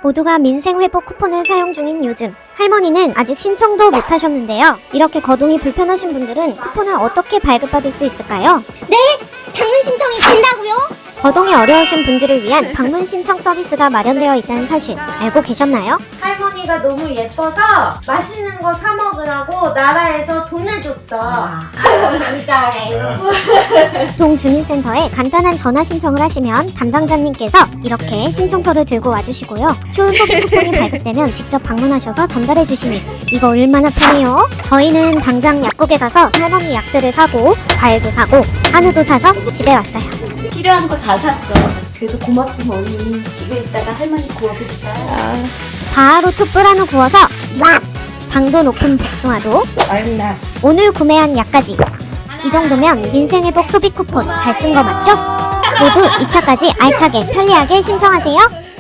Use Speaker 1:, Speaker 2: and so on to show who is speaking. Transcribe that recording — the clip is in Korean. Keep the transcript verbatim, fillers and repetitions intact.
Speaker 1: 모두가 민생회복 쿠폰을 사용 중인 요즘, 할머니는 아직 신청도 못하셨는데요. 이렇게 거동이 불편하신 분들은 쿠폰을 어떻게 발급받을 수 있을까요?
Speaker 2: 네? 방문 신청이 된다고요?
Speaker 1: 거동이 어려우신 분들을 위한 방문 신청 서비스가 마련되어 있다는 사실 알고 계셨나요?
Speaker 3: 할머니가 너무 예뻐서 맛있는 거 사 먹으라고 나라에서 돈을 줬어.
Speaker 2: 진짜래요.
Speaker 1: 동주민센터에 간단한 전화 신청을 하시면 담당자님께서 이렇게 신청서를 들고 와주시고요. 추후 소비 쿠폰이 발급되면 직접 방문하셔서 전달해 주시니 이거 얼마나 편해요? 저희는 당장 약국에 가서 할머니 약들을 사고 과일도 사고 한우도 사서 집에 왔어요.
Speaker 4: 필요한 거 다 샀어. 그래도 고맙지 뭐니. 이거 이따가 할머니 구워드리자.
Speaker 1: 바로 툭불 한우 구워서 와! 당도 높은 복숭아도
Speaker 4: 얼마?
Speaker 1: 오늘 구매한 약까지 이 정도면 민생회복 소비 쿠폰 잘 쓴 거 맞죠? 모두 이 차까지 알차게 편리하게 신청하세요.